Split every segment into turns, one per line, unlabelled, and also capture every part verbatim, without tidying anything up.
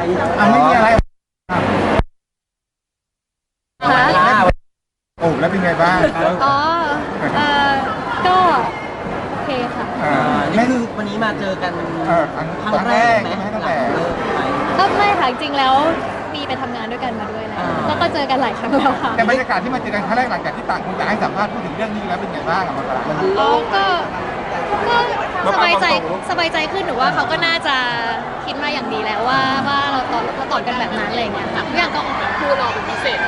อ่ะไม่มีอะไร
ค่ะ
โอ้แล้วเป็นไงบ้าง
อ๋อเอ่อก็โอเคค่ะ
เออ
นี่คือวันนี้มาเจอกัน
เออครั้ง
ครั้ง
ครั้ง
แร
แร
ก
ก
ไหม
ใช่ไหมตั้ง
หลั
แต่
งเลิกไป
ก็ไม่ค่ะจริงๆแล้วมีไปทำงานด้วยกันมาด้วยแล้ว
อ่า
แล้วก็เจอกันหลายครั้งแล้วค่ะ
แต่บรรยากาศที่มาเจอกันครั้งแรกหลังจากที่ต่างคนต่างให้สัมภาษณ์พูดถึงเรื่องนี้แล้วเป็นไงบ้างอะมันกลาง
อ๋อก็ก็สบายใจสบายใจขึ้นหนูว่าเขาก็น่าจะคิดมาอย่างดีแล้วว่าว่าเราตอบเราตอบกันแบบนั้นอะไรอย่างเงี้ยค่ะทุกอย่างก็ออกมาคู่เราเป็นพิเศษ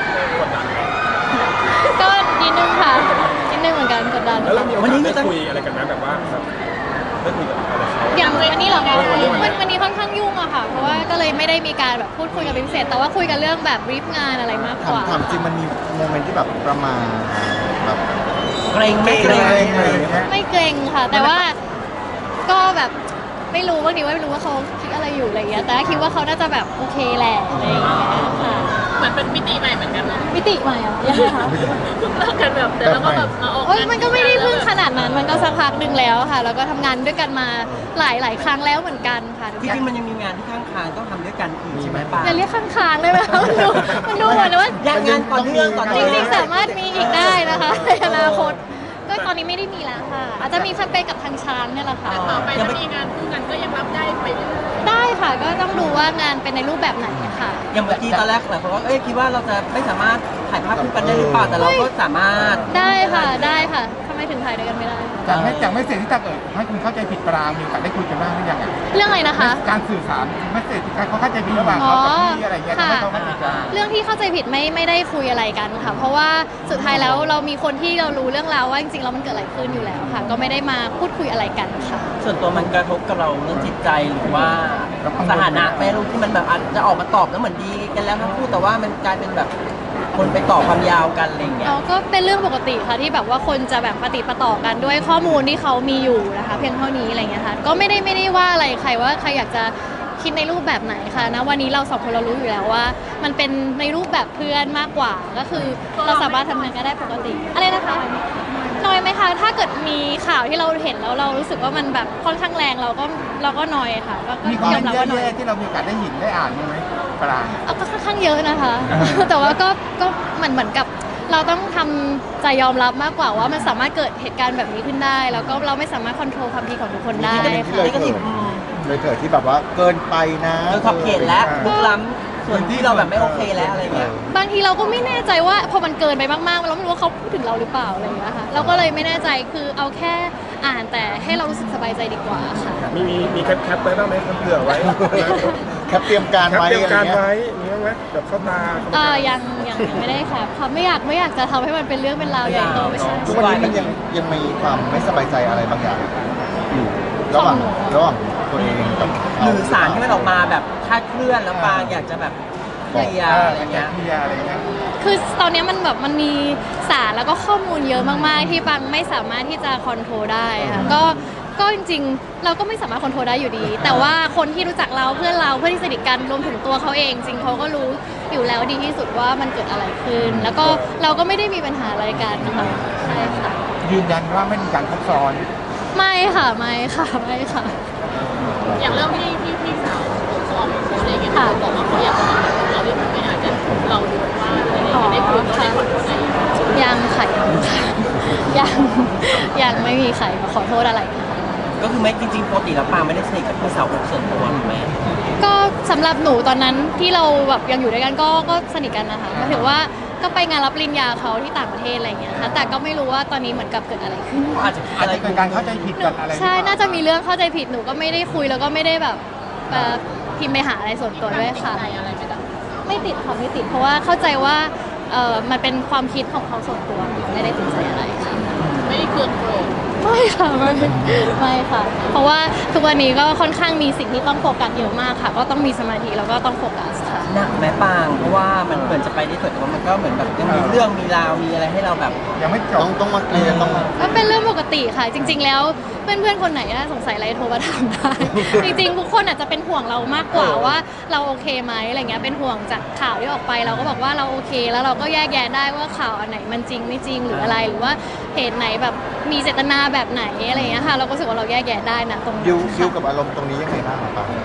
ก็นิดนึงค่ะนิดนึงเหมือนกันกดดัน
แล้วเรามีโอ
วัน
กา
นี้
ส
มี
ได้
ตั้ง
คุยอะไรกันไหมแบบว่าแบบได้คุยกับอะไรเขา
อย่างวันนี้เหรอคะ
วันนี้วันนี้
วันวันนี้ค่อนข้างยุ่งอะค่ะเพราะว่าก็เลยไม่ได้มีการแบบพูดคุยกันเป็นพิเศษแต่ว่าคุยกันเรื่องแบบรีฟงานอะไรมาก
ถาก ม
ว่า
ถามจริงมันมีโมเมนต์ที่แบบประมาณแบบ
เกรงไม่เกรง
อะไรอย่างเงี้ย
ไม่เกรงค่ะ แต่ว่าก็แบบไม่รู้บางทีว่าไม่รู้ว่าเขาคิดอะไรอยู่อะไรอย่างเงี้ยแต่คิดว่าเขาน่าจะแบบโอเคแหละอะไรอย่างเงี้ยค่ะ
เหมือนเป็นมิติใหม่เหมือนกันนะ
มิติใหม่อะยังไงคะ
เพิ่งเลิกกันแบบแต่แล้วก็แบบมาออก
โอ้ย
งาน
มันก็ไม่ได้เพิ่งขนาดนั้นมันก็สักพักหนึ่งแล้วค่ะ แล้วก็ทำงานด้วยกันมาหลายหลายครั้งแล้วเหมือนกันค่ะ
จริงๆมันยังมีงานที่ข้างคางต้องทำด้วยกันอีกใช่ไหมป้า
จะเรียกข้างๆได้ไหมคะมันดูมันดูเหมือนว่า
อยากงานต่อเนื่องต่อ
จ
เนื่อง
ริงๆสามารถมีอีกได้นะคะในอนาคตก็ตอนนี้ไม่ได้มีแล้วค่ะ อาจจะมีแคมเปญกับทางช้างเนี่ยแหละค่ะ
ต่อไปถ้ามีงานคู่กันก็ยังรับได้ไปเรื่อย
ได้ค่ะก็ต้องดูว่างานเป็นในรูปแบบไหนค่ะ
อย่างเมื่อกี้ตอนแรกหลายคนก็เอ้ยคิดว่าเราจะไม่สามารถถ่ายภาพคู่กันได้หรือเปล่าแต่เราก็สามารถ
ได้ค่ะได้ค่ะทำไมถึงถ่ายด้วยกันไม่ได้
จากไม่จากไม่เสร็จที่ตาเกิดให้คุณเข้าใจผิดปรางมีโอกาสได้คุยกันบ้างหรือยังอะ
เรื่องอะไรนะคะ
การสื่อสารไม่เสร็จการเขาเข้าใจผิดระหว่างเขากับพี่อะไรเงี้ยทำให้เขาเข้าใจผิด
เรื่องที่เข้าใจผิดไม่ไม่ได้คุยอะไรกันค่ะ เพราะว่าสุดท้ายแล้วเรามีคนที่เรารู้เรื่องราวว่าจริงๆแล้วมันเกิดอะไรขึ้นอยู่แล้วค่ะ ก็ไม่ได้มาพูดคุยอะไรกันค่ะ
ส่วนตัวมันกระทบกับเราเรื่องจิตใจหรือว่าสถานะแม่ลูกที่มันแบบอาจจะออกมาตอบแล้วเหมือนดีกันแล้วทั้งคู่แต่ว่ามันกลายเป็นแบบคนไปต่อความยาวกันอะไรอย่างเงี้ย
เราก็เป็นเรื่องปกติค่ะที่แบบว่าคนจะแบบปฏิปต่อกันด้วยข้อมูลที่เขามีอยู่นะคะ เพียงเท่านี้อะไรเงี้ยค่ะก็ไม่ได้ไม่ได้ว่าอะไรใครว่าใครอยากจะคิดในรูปแบบไหนค่ะนะวันนี้เราสองคนเรารู้อยู่แล้วว่า มันเป็นในรูปแบบเพื่อนมากกว่าก็คือเราสามารถทำงานกันได้ปกติอะไรนะคะน้อยไหมคะถ้าเกิดมีข่าวที่เราเห็นแล้วเรารู้สึกว่ามันแบบค่อนข้างแรงเราก็เราก็น้อยค่ะก็ก็
มีคอม
ย
เม
อน ม
ต์
รับว่าน้อย
แย่ๆที่เรามีโอกาสได้เห็นได้อ่านบ้างไหมปราง
เอาก็ค่อนข้างเยอะนะคะ แต่ว่าก็ก็เหมือนเหมือนกับเราต้องทำใจยอมรับมากกว่าว่ามันสามารถเกิดเหตุการณ์แบบนี้ขึ้นได้ แล้วก็เราไม่สามารถควบคุมความคิดของทุกคนได้
ที่
ค่ะ
เลยเถิดเลยเถิดที่แบบว่าเกินไปนะ
โดยขอบเขตและลุกล้ำส่วนที่เราแบบไม่โอเคแล้วอะไรเงี้ย
บางทีเราก็ไม่แน่ใจว่าพอมันเกินไปมากๆเราไม่รู้ว่าเขาพูดถึงเราหรือเปล่าอะไรอย่างเงี้ยค่ะเราก็เลยไม่แน่ใจคือเอาแค่อ่านแต่ให้เรารู้สึกสบายใจดีกว่าค่ะ
มีมีมีแคปแคปไว้บ้างไหมครับเผื่อไว้
แคปเตรียมการ
แคป
ไว้
เตรียม
อะไร
การ
เงี้ย
ไว้มีบ้างไหมแบบเข้าตา
เออยังยังยังไม่ได้ค่ะค่ะไม่อยากไม่อยากจะทำให้มันเป็นเรื่องเป็นราวใหญ่โตไม่ใช่
ทุกวันนี้มันยังยังมีความไม่สบายใจอะไรบางอย่างอยู่ระหว่างระหว่างตัวเองกับ
หรือสารที่มันออกมาแบบคลาดเคลื่อนแล้วปางอยากจะแบบเคลียร์อะไร
อะไร
เงี้
เงี้
ย
ยพี่ยาอะไรเงี้ย
คือตอนนี้มันแบบมันมีสารแล้วก็ข้อมูลเยอะมากๆ ที่ปังไม่สามารถที่จะคอนโทรลได้ค่ะก็ก็จริงๆ เราก็ไม่สามารถคอนโทรลได้อยู่ดี แต่ว่าคนที่รู้จักเราเพื่อนเราเพื่อนที่สนิทกันรวมถึงตัวเขาเอง จริงเขาก็รู้อยู่แล้วดีที่สุดว่ามันเกิดอะไรขึ้น แล้วก็เราก็ไม่ได้มีปัญหาอะไรกันนะคะใช่ค่ะ
ยืนยันว่าไม่มีการทับซ้อน
ไม่ค่ะไม่ค่ะไม่ค่ะ
ๆอย่างเรื่องที่ที่พี่สาวเขาออกมาโพสต์อะไรอย่างเงี้ยเขาบอกว่าเขาอยากจะมาขอโทษเราด้วยไหมอาจจะเราดูว่าอะไรอย่างเงี้ยได้คุยได้ขอโทษอะไรอย่างเงี้ย
ยังค่ะยังค่ะยังยังไม่มีใครมาขอโทษอะไรค่ะ
ก็คือไม่จริงๆปกติแล้วปางไม่ได้สนิทกับพี่สาวคนส่วนตัวถูกไหม
ก็สำหรับหนูตอนนั้นที่เราแบบยังอยู่ด้วยกันก็ก็สนิทกันนะคะหมายถึงว่าก็ไปงานรับปริญญาเขาที่ต่างประเทศอะไรอย่างเงี้ยค่ะแต่ก็ไม่รู้ว่าตอนนี้เหมือนกับเกิดอะไรขึ้น
อาจจะ
อาจจะเกิดการเข้าใจผิดกันอะไร
ใช่น่าจะมีเรื่องเข้าใจผิดหนูก็ไม่ได้คุยแล้วก็ไม่ได้แบบเอ่อพิมพ์ไปหาอะไรส่วนตัวด้วยค่ะ
ใจอะไรไม่ได้
ไม่ติดค่ะไม่ติดเพราะว่าเข้าใจว่าเออมันเป็นความคิดของเขาส่วนตัวไม่ได้ติดใจอะไรค่ะ
ไม่ได้เคืองโกรธ
ไม่ค่ะไม่ไม่ค่ะ เพราะว่าทุกวันนี้ก็ค่อนข้างมีสิ่งที่ต้องโฟกัสเยอะมากค่ะ ก็ต้องมีสมาธิแล้วก็ต้องโฟกัสค่ะ
หนักแม่ปางเพราะว่ามันเหมือนจะไปได้สวยแต่ว่ามันก็เหมือนแบบยังมีเรื่องมีราวมีอะไรให้เราแบบ
ยังไม่จ
ต้อบ งต้องมาเคลียร์ต้อง
ก็เป็นเรื่องปกติค่ะ จริง ๆ แล้วเพื่อนๆคนไหนอะสงสัยอะไรโทรมาถามได้ จริงๆทุกคนอาจจะเป็นห่วงเรามากกว่าว่าเราโอเคไหมอะไรเงี้ยเป็นห่วงจากข่าวที่ออกไปเราก็บอกว่าเราโอเค แล้วเราก็แยกแยะได้ว่าข่าวอันไหนมันจริงไม่จริงหรืออะไรหรือว่าเหตุไหนแบบมีเจตนาแบบไหนอะไรเงี้ยค่ะเราก็รู้สึกว่าเราแยกแยะได้นะตรง
ดิ
นี้
วดิว
ค่ะ
กับอารมณ์ตรงนี้ยังไงบ้างครับปาง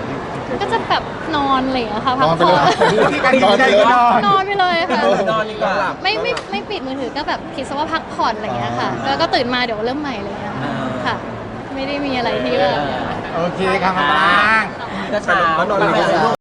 ก็จะแบบนอนอะไรอย่างเงี้ยค่ะพัก
นอนไป
ผ่
เล
อย น
ที่การดีใจก็นอน
นอนไปเลยค่ะ
นอนดีกว่า
ไม่ไม่ไม่ปิดมือถือก็แบบคิดซะว่าพักผ่อนอะไรอย่างเงี้ยค่ะแล้วก็ตื่นมาเดี๋ยวเริ่มใหม่อะไรอย่างเลยค่ะ ไม่ได้มีอะไรที่แบบ
โอเคค่ะมาปราง
ก็เช้า
แล้วนอนหลับ
ไป